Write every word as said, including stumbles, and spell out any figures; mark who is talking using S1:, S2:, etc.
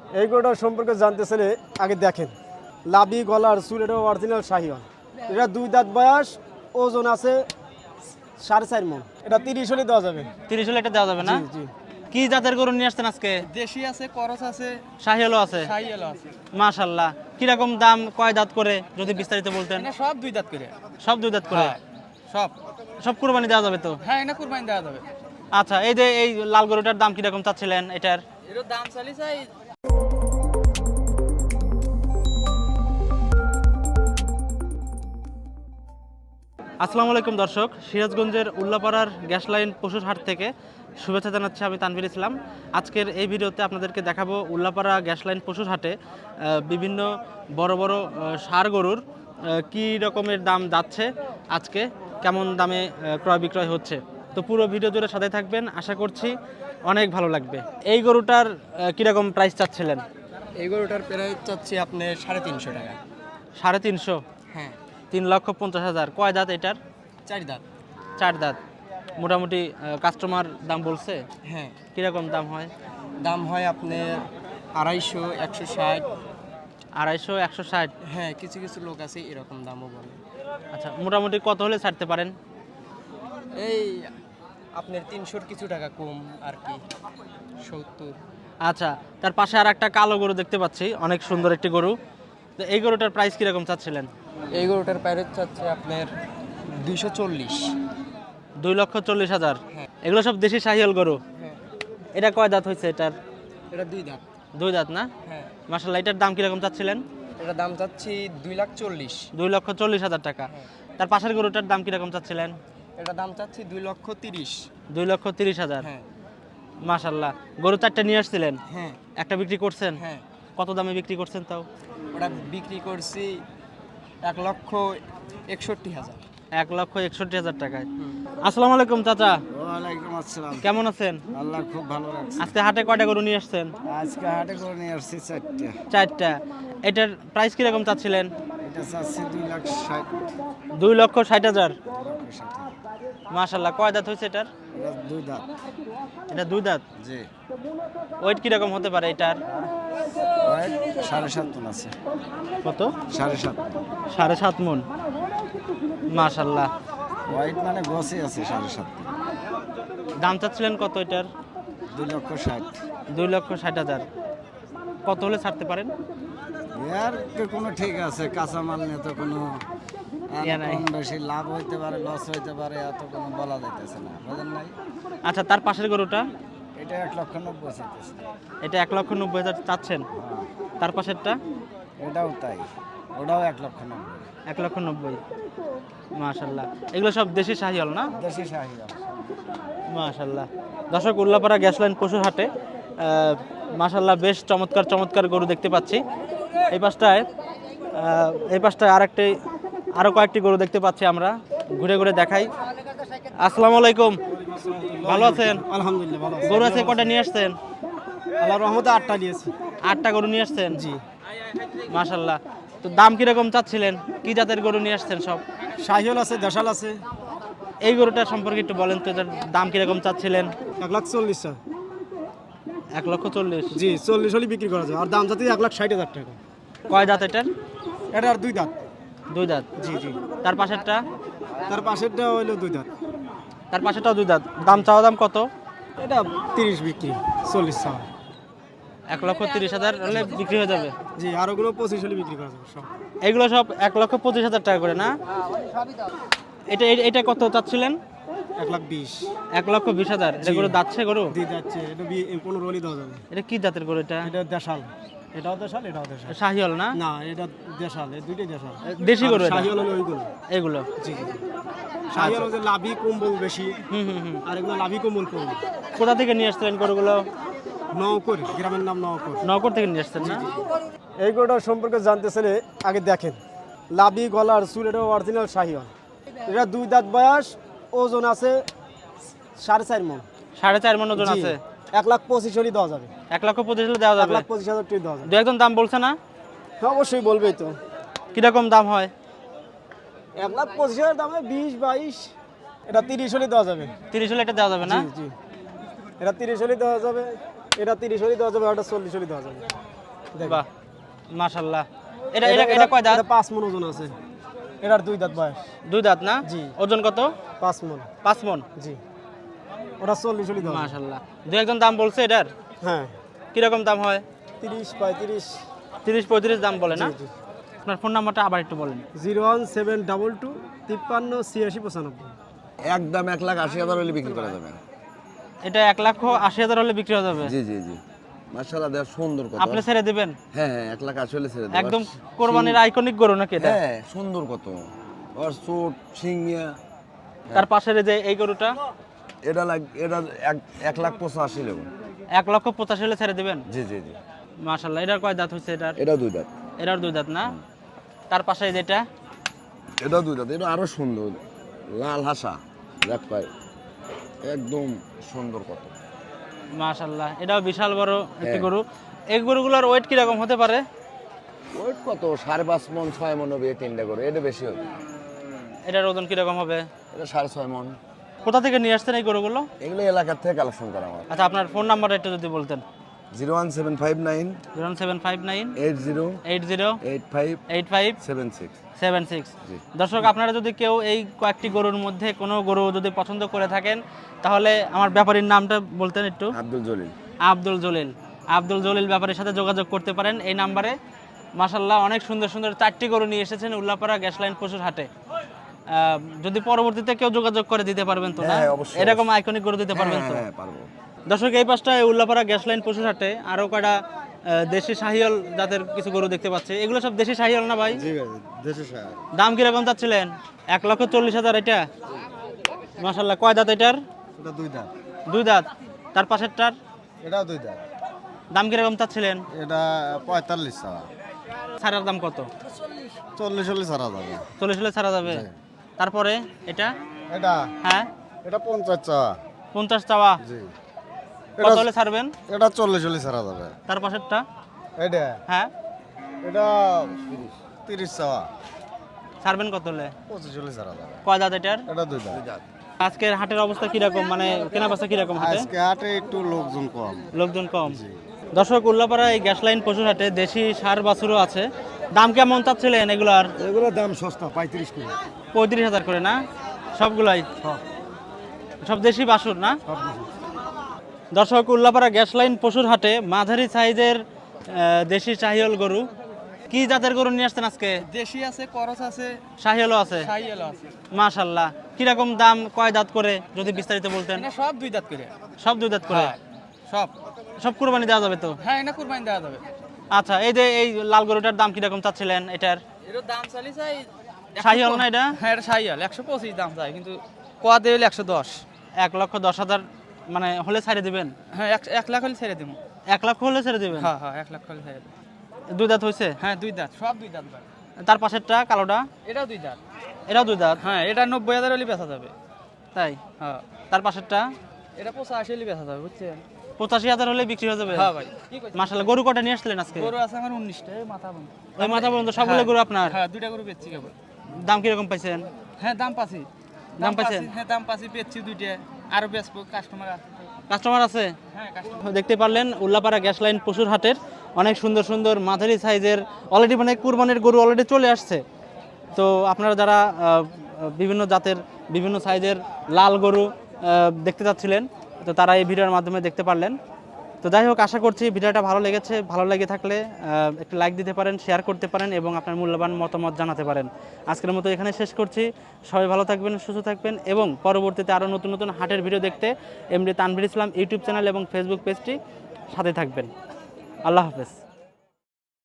S1: এই গরুটার সম্পর্কে জানতে চাইলে আগে দেখেন, লাবি গলার চুল, এটা অরিজিনাল শাহিওয়াল। এটা দুই দাঁত বয়স, ওজন আছে সাড়ে চার মন। এটা তিরিশ হলে দেওয়া যাবে।
S2: তিরিশ হলে এটা দেওয়া যাবে না?
S1: জি জি।
S2: কি জাতের গরু নিয়ে আসছেন আজকে?
S3: দেশি আছে, করস আছে,
S2: শাহিওয়ালও আছে।
S3: শাহিওয়াল আছে।
S2: মাশাআল্লাহ। কিরকম দাম, কয় দাঁত করে যদি বিস্তারিত বলতেন?
S3: এটা সব দুই দাঁত করে।
S2: সব দুই দাঁত করে?
S3: হ্যাঁ, সব
S2: সব কুরবানি দেওয়া যাবে তো?
S3: হ্যাঁ, এটা কুরবানি দেওয়া যাবে।
S2: আচ্ছা, এই যে এই লাল গরুটার দাম কিরকম চাচ্ছিলেন এটার?
S3: এর দাম চালি চাই।
S2: আসসালামু আলাইকুম দর্শক, সিরাজগঞ্জের উল্লাপাড়ার গ্যাস লাইন পশুর হাট থেকে শুভেচ্ছা জানাচ্ছি আমি তানভীর ইসলাম। আজকের এই ভিডিওতে আপনাদেরকে দেখাবো উল্লাপাড়া গ্যাস লাইন পশুর হাটে আহ, বিভিন্ন বড় বড় আহ, ষাঁড় গরুর আহ, কী রকমের দাম যাচ্ছে, আজকে কেমন দামে আহ, ক্রয় বিক্রয় হচ্ছে। তো পুরো ভিডিও জুড়ে সাথে থাকবেন, আশা করছি অনেক ভালো লাগবে। এই গরুটার আহ, কীরকম প্রাইস চাচ্ছিলেন?
S3: এই গরুটার প্রাইস চাচ্ছি আপনি সাড়ে তিনশো টাকা।
S2: সাড়ে তিনশো?
S3: হ্যাঁ,
S2: তিন লক্ষ পঞ্চাশ হাজার। কয় দাঁত এটার?
S3: চার দাঁত।
S2: চার দাঁত। মোটামুটি কাস্টমার দাম বলছে?
S3: হ্যাঁ,
S2: কীরকম দাম হয়?
S3: দাম হয় আপনার আড়াইশো, একশো ষাট।
S2: আড়াইশো, একশো ষাট?
S3: হ্যাঁ, কিছু কিছু লোক আছে এরকম দামও বলে।
S2: আচ্ছা, মোটামুটি কত হলে ছাড়তে পারেন?
S3: এই আপনার তিনশোর কিছু টাকা কম আর কি, সত্তর।
S2: আচ্ছা, তার পাশে আর একটা কালো গরু দেখতে পাচ্ছি, অনেক সুন্দর একটি গরু। তো এই গরুটার প্রাইস কীরকম চাচ্ছিলেন?
S3: এই গরুটার প্রাইস চাচ্ছে আপনার দুইশো চল্লিশ।
S2: দুই লক্ষ চল্লিশ হাজার?
S3: হ্যাঁ।
S2: এগুলো সব দেশি শাহিয়াল গরু?
S3: হ্যাঁ,
S2: এটা কয় দাঁত হয়েছে এটার?
S3: এটা দুই দাঁত।
S2: দুই দাঁত না?
S3: হ্যাঁ,
S2: মাশাআল্লাহ। এটার দাম কীরকম চাচ্ছিলেন?
S3: এটা দাম চাচ্ছি দুই লাখ চল্লিশ।
S2: দুই লক্ষ চল্লিশ হাজার টাকা। তার পাশের গরুটার দাম কীরকম চাচ্ছিলেন?
S3: এটা দাম চাচ্ছি দুই লক্ষ তিরিশ।
S2: দুই লক্ষ তিরিশ হাজার?
S3: হ্যাঁ।
S2: মাশাআল্লাহ। গরু চারটা নিয়ে আসছিলেন?
S3: হ্যাঁ।
S2: একটা বিক্রি করছেন?
S3: হ্যাঁ,
S2: কত দামে বিক্রি করছেন তাও?
S3: ওটা বিক্রি করছি এক লক্ষ একষট্টি হাজার।
S2: এক লক্ষ একষট্টি হাজার টাকায়। আসসালামু আলাইকুম চাচা,
S1: ওয়ালাইকুম আসসালাম।
S2: কেমন আছেন?
S1: আল্লাহ খুব ভালো রাখছে।
S2: আজকে হাটে কয়টা গরু নিয়ে আসছেন?
S1: আজকে হাটে করে নিয়ে আসছি চারটে।
S2: চারটা। এটার প্রাইস কিরকম চাচ্ছিলেন?
S1: এটা চাচ্ছি দুই লাখ ষাট।
S2: দুই লক্ষ ষাট হাজার?
S1: দুই লক্ষ ষাট হাজার।
S2: মাশাআল্লাহ। কয় দাঁত হয়েছে এটার?
S1: এটা দুই দাঁত।
S2: এটা দুই দাঁত?
S1: জি।
S2: ওয়েট কিরকম হতে পারে এটার?
S1: ওয়েট সাড়ে সাত মন আছে।
S2: কত?
S1: সাড়ে সাত মন।
S2: সাড়ে সাত মন? মাশাআল্লাহ।
S1: ওয়েট মানে গছে আছে সাড়ে সাত মন।
S2: দাম চাচ্ছিলেন কত এটার?
S1: দুই লক্ষ ষাট।
S2: দুই লক্ষ ষাট হাজার। কত হলে ছাড়তে পারেন?
S1: এর তো কোনো ঠিক আছে, কাঁচামাল নিয়ে তো কোনো
S2: ইয়া নাই।
S1: কম বেশি লাভ হইতে পারে, লস হইতে পারে, এত কোনো বলা যাইতেছে না, বুঝেন নাই?
S2: আচ্ছা, তার পাশের গরুটা?
S1: এটা এক লক্ষ নব্বই চাইতেছে।
S2: এটা এক লক্ষ নব্বই হাজার চাচ্ছেন?
S1: হ্যাঁ,
S2: তার পাশেরটা?
S1: এটাও তাই, ওটাও এক লক্ষ নব্বই।
S2: এক লক্ষ নব্বই? মাশাআল্লাহ। এগুলো সব দেশি শাহিয়াল না?
S1: দেশি শাহিওয়াল।
S2: মাশাআল্লাহ। দর্শক, উল্লাপাড়া গ্যাস লাইন পশুর হাটে আহ, মাশাআল্লাহ বেশ চমৎকার চমৎকার গরু দেখতে পাচ্ছি। এই পাশটায় আহ, এই পাশটায় আরেকটি আরও কয়েকটি গরু দেখতে পাচ্ছি আমরা, ঘুরে ঘুরে দেখাই। আসসালামু আলাইকুম, ভালো আছেন?
S1: আলহামদুলিল্লাহ ভালো।
S2: গরু আছে কটা নিয়ে আসছেন?
S1: আল্লাহর রহমতে আটটা নিয়েছি।
S2: আটটা গরু নিয়ে আসছেন?
S1: জি।
S2: মাশাআল্লাহ। তো দাম কিরকম চাচ্ছিলেন? কি জাতের গরু নিয়ে আসছেন সব?
S1: শাহিওয়াল আছে, দেশাল আছে।
S2: এই গরুটার সম্পর্কে একটু বলেন তো, এটার দাম কিরকম চাচ্ছিলেন?
S1: এক লাখ চল্লিশ।
S2: এক লক্ষ চল্লিশ?
S1: জি, চল্লিশ হলে বিক্রি করা যায়। আর দাম যাতে এক লাখ ষাট হাজার টাকা।
S2: কয় দাঁত এটার?
S1: এটা আর দুই দাঁত।
S2: দুই দাঁত?
S1: জি জি।
S2: তার পাশেরটা?
S1: তার পাশেরটা হইলো দুই দাঁত।
S2: তার পাশেরটাও দুই দাঁত। দাম চাওয়া দাম কত?
S1: এটা তিরিশ বিক্রি, চল্লিশ চাওয়া।
S2: এক লক্ষ তিরিশ হাজার হলে বিক্রি হয়ে যাবে?
S1: জি, আর ওগুলো পঁচিশ হলে বিক্রি করা যাবে সব।
S2: এগুলো সব এক লক্ষ পঁচিশ হাজার টাকা করে না? এটা এ- এটা কত চাচ্ছিলেন?
S1: এক লাখ বিশ।
S2: এক লক্ষ বিশ হাজার? এটা গরু দাচ্ছে গরু?
S1: দিয়ে যাচ্ছে, এটা পনেরো হলে দেওয়া যাবে।
S2: এটা কি জাতের গরু এটা?
S1: এটা দেশাল। এটাও দেশাল, এটাও দেশাল।
S2: শাহিওয়াল না?
S1: না, এটা দেশাল, এই দুইটাই দেশাল।
S2: দেশি গরু এটা?
S1: শাহিওয়াল হলো ওইগুলো।
S2: এগুলো?
S1: জি জি। শাহিওয়াল হচ্ছে লাভি কম্বল বেশি,
S2: হুম হুম হুম।
S1: আর এগুলো লাভি কম্বল কম।
S2: কোথা থেকে নিয়ে আসছিলেন গরুগুলো?
S1: নওকর, গ্রামের নাম নওকর।
S2: নগর থেকে নিয়ে আসছেন না?
S1: এই গরুটার সম্পর্কে জানতে চাইলে আগে দেখেন, লাবি গলার চুল, এটা অরিজিনাল শাহিওয়াল। এটা দুই দাঁত বয়স, ওজন আছে সাড়ে চার মন।
S2: সাড়ে চার মন ওজন
S1: জি।
S2: আছে?
S1: এক লাখ পঁচিশ হলে দেওয়া যাবে।
S2: এক লক্ষ পঁচিশ হলে দেওয়া
S1: এক
S2: যাবে?
S1: লাখ পঁচিশ হাজার টাকা দেওয়া যাবে।
S2: দু একজন দাম বলছে না?
S1: হ্যাঁ, অবশ্যই বলবেই তো।
S2: কিরকম দাম হয়?
S1: এক লাখ পঁচিশ হাজার দাম হয় বিশ বাইশ। এটা তিরিশ হলে দেওয়া যাবে।
S2: তিরিশ হলে এটা দেওয়া যাবে না?
S1: জি জি। এটা তিরিশ হলে দেওয়া যাবে, এটা তিরিশ হলে দেওয়া যাবে, এটা চল্লিশ হলে দেওয়া যাবে। দেখেন।
S2: বাহ মাশাআল্লাহ। এটা এটা এটা কয় দাঁত?
S1: এটা পাঁচ মন ওজন আছে। এটার দুই দাঁত বয়স।
S2: দুই দাঁত না?
S1: জি।
S2: ওজন কত?
S1: পাঁচ মন।
S2: পাঁচ মন।
S1: জি। ওটা চল্লিশ হলে দেওয়া যাবে।
S2: মাশাআল্লাহ। দুই একজন দাম বলছে এটার?
S1: হ্যাঁ,
S2: কিরকম দাম হয়?
S1: তিরিশ পঁয়ত্রিশ।
S2: তিরিশ পঁয়ত্রিশ দাম বলে না?
S1: জি, জি।
S2: আপনার ফোন নাম্বারটা আবার একটু বলেন।
S1: Zero one seven double two তিপ্পান্ন ছিয়াশি পঁচানব্বই।
S4: একদম এক লাখ আশি হাজার হলে বিক্রি করা যাবে।
S2: এটা এক লাখ আশি হাজার হলে বিক্রি হয়ে যাবে।
S4: জি জি জি মাশাআল্লাহ, দেখ সুন্দর কত।
S2: আপনি ছেড়ে দিবেন?
S4: হ্যাঁ হ্যাঁ, এক লাখ আশি হলে ছেড়ে দেব।
S2: একদম কোরবানির আইকনিক গরু নাকি এটা?
S4: হ্যাঁ সুন্দর কত, আর চোট সিংয়া।
S2: তার পাশের এই যে এই গরুটা
S4: এটা লাগ এটা এক এক লাখ পঁচাশি নেব।
S2: এক লক্ষ পঁচাশি হলে ছেড়ে দিবেন?
S4: জি জি জি।
S2: মাশাআল্লাহ। এটার কয় দাঁত হচ্ছে এটার?
S4: এটা দুই দাঁত।
S2: এটার দুই দাঁত না? তার পাশে যেটা
S4: এটা দুই দাঁত, এটা আরো সুন্দর, লাল হাসা, দেখ ভাই একদম সুন্দর কত।
S2: মাশাআল্লাহ, এটাও বিশাল বড় একটি
S4: হ্যাঁ।
S2: গরু। এই গরুগুলোর ওয়েট কিরকম হতে পারে?
S4: ওয়েট কত, সাড়ে পাঁচ মন ছয় মন হবে এই তিনটা করে, এটা বেশি হবে।
S2: এটার ওজন কিরকম হবে?
S4: এটা সাড়ে ছয় মন।
S2: কোথা থেকে নিয়ে আসছেন এই গরুগুলো?
S4: এগুলো এলাকার থেকে কালেকশন করা আমার।
S2: আচ্ছা, আপনার ফোন নাম্বারটা একটু যদি বলতেন।
S4: Zero one seven five nine
S2: zero seven five nine
S4: eight zero
S2: eight zero
S4: eight five
S2: eight five
S4: seven six.
S2: Seven six.
S4: জি।
S2: দর্শক, আপনারা যদি কেউ এই কয়েকটি গরুর মধ্যে কোনো গরু যদি পছন্দ করে থাকেন, তাহলে আমার ব্যাপারীর নামটা বলতেন একটু।
S4: আব্দুল জলিল।
S2: আব্দুল জলিল। আব্দুল জলিল ব্যাপারীর সাথে যোগাযোগ করতে পারেন এই নাম্বারে। মাশাল্লাহ, অনেক সুন্দর সুন্দর চারটি গরু নিয়ে এসেছেন উল্লাপাড়া গ্যাস লাইন পশুর হাটে। আহ, যদি পরবর্তীতে কেউ যোগাযোগ করে দিতে পারবেন তো না?
S4: হ্যাঁ, অবশ্যই,
S2: এরকম আইকনিক গরু দিতে পারবেন তো?
S4: হ্যাঁ হ্যাঁ পারবো।
S2: দর্শক, এই পাশটায় উল্লাপাড়া গ্যাস লাইন পশুর হাটে আরও কয়টা আহ, দেশি শাহিয়াল জাতের কিছু গরু দেখতে পাচ্ছি। এগুলো সব দেশি শাহিয়াল না ভাই?
S4: জি ভাই, দেশে সার।
S2: দাম কিরকম চাচ্ছিলেন? এক লক্ষ চল্লিশ হাজার এটা? মাশাল্লাহ। কয় দাঁত এটার?
S4: এটা দুই দাঁত।
S2: দুই দাঁত। তার পাশেরটার
S4: এটাও দুই দাঁত।
S2: দাম কিরকম চাচ্ছিলেন?
S4: এটা পঁয়তাল্লিশ ছাড়া।
S2: ছাড়ার দাম কত?
S4: চল্লিশ হলে ছাড়া যাবে।
S2: চল্লিশ হলে ছাড়া যাবে। তারপরে এটা?
S4: এটা
S2: হ্যাঁ,
S4: এটা পঞ্চাশ চাওয়া।
S2: পঞ্চাশ চাওয়া।
S4: জি।
S2: কত হলে ছাড়বেন?
S4: এটা চল্লিশ হলে ছাড়া যাবে।
S2: তার পাশেরটা?
S4: এটা
S2: হ্যাঁ,
S4: এটা তিরিশ চাওয়া।
S2: ছাড়বেন কত হলে?
S4: পঁচিশ হলে ছাড়া যাবে।
S2: কয় দাঁত এটার?
S4: এটা দুই দাঁত।
S2: আজকের হাটের অবস্থা কিরকম, মানে কেনা বেচা কিরকম হাটে?
S4: আজকে হাটে একটু লোকজন কম।
S2: লোকজন কম। দর্শক, উল্লাপাড়া এই গ্যাস লাইন পশুর হাটে দেশি সার বাছুরও আছে। দাম কেমন চাচ্ছিলেন এগুলার?
S4: এগুলোর দাম সস্তা, পঁয়ত্রিশ করে।
S2: পঁয়ত্রিশ হাজার করে না? সবগুলাই সব দেশি বাছুর না? দর্শক, উল্লাপাড়া গ্যাস লাইন পশুর হাটে মাঝারি সাইজের আহ, দেশি শাহিওল গরু। কি জাতের গরু নিয়ে আসছেন আজকে?
S3: দেশি আছে, করস আছে,
S2: শাহিওলও আছে?
S3: শাহিয়াল আছে।
S2: মাশাল্লাহ। কিরকম দাম, কয় দাঁত করে যদি বিস্তারিত বলতেন?
S3: এটা সব দুই দাঁত করে।
S2: সব দুই দাঁত করে?
S3: হ্যাঁ, সব।
S2: সব কুরবানি দেওয়া যাবে তো?
S3: হ্যাঁ, এটা কুরবানি দেওয়া যাবে।
S2: আচ্ছা, এই যে এই লাল গরুটার দাম কিরকম চাচ্ছিলেন এটার?
S3: এর দাম চালি চাই
S2: শাহিওয়াল না এটা?
S3: হ্যাঁ, এটা শাহিয়াল। একশো পঁচিশ দাম চাই, কিন্তু কোয়াতে হলে একশো দশ।
S2: এক লক্ষ দশ হাজার মানে হলে ছেড়ে দিবেন?
S3: হ্যাঁ, এক এক লাখ হলে ছেড়ে দেবো।
S2: এক লক্ষ হলে ছেড়ে দিবেন?
S3: হ্যাঁ হ্যাঁ, এক লাখ হলে ছেড়ে দেবো।
S2: দুই দাঁত হয়েছে?
S3: হ্যাঁ, দুই দাঁত, সব দুই দাঁত ভাই।
S2: তার পাশেরটা কালোটা?
S3: এটাও দুই দাঁত।
S2: এটাও দুই দাঁত?
S3: হ্যাঁ, এটা নব্বই হাজার হলে বেচা যাবে।
S2: তাই?
S3: হ্যাঁ,
S2: তার পাশেরটা?
S3: এটা পঁচাশি হলে বেচা যাবে, বুঝছেন?
S2: পঁচাশি হাজার হলে বিক্রি হয়ে যাবে?
S3: হ্যাঁ ভাই। কি কইছেন?
S2: মাশাল্লাহ। গরু কটা নিয়ে আসলেন আজকে?
S3: গরু আছে আমার উনিশটা, এই মাথা বন্ধ।
S2: ওই মাথা পর্যন্ত সবগুলো গরু আপনার?
S3: হ্যাঁ, দুইটা গরু বেচছি কেবল।
S2: দাম কিরকম পাইছেন?
S3: হ্যাঁ, দাম পাচ্ছি।
S2: দাম পাইছেন?
S3: হ্যাঁ, দাম পাচ্ছি, বেচছি দুইটা। আরো বেচবো, কাস্টমার আছে।
S2: কাস্টমার আছে?
S3: হ্যাঁ, কাস্টমার।
S2: দেখতে পারলেন উল্লাপাড়া গ্যাস লাইন পশুর হাটের অনেক সুন্দর সুন্দর মাঝারি সাইজের অলরেডি মানে কুরবানির গরু অলরেডি চলে আসছে। তো আপনারা যারা আহ, বিভিন্ন জাতের বিভিন্ন সাইজের লাল গরু আহ, দেখতে চাচ্ছিলেন, তো তারা এই ভিডিওর মাধ্যমে দেখতে পারলেন। তো যাই হোক, আশা করছি ভিডিওটা ভালো লেগেছে। ভালো লেগে থাকলে আহ, একটু লাইক দিতে পারেন, শেয়ার করতে পারেন এবং আপনার মূল্যবান মতামত জানাতে পারেন। আজকের মতো এখানে শেষ করছি। সবাই ভালো থাকবেন, সুস্থ থাকবেন এবং পরবর্তীতে আরও নতুন নতুন হাটের ভিডিও দেখতে MD Tanvir Islam YouTube channel এবং ফেসবুক পেজটি সাথে থাকবেন। আল্লাহ হাফেজ।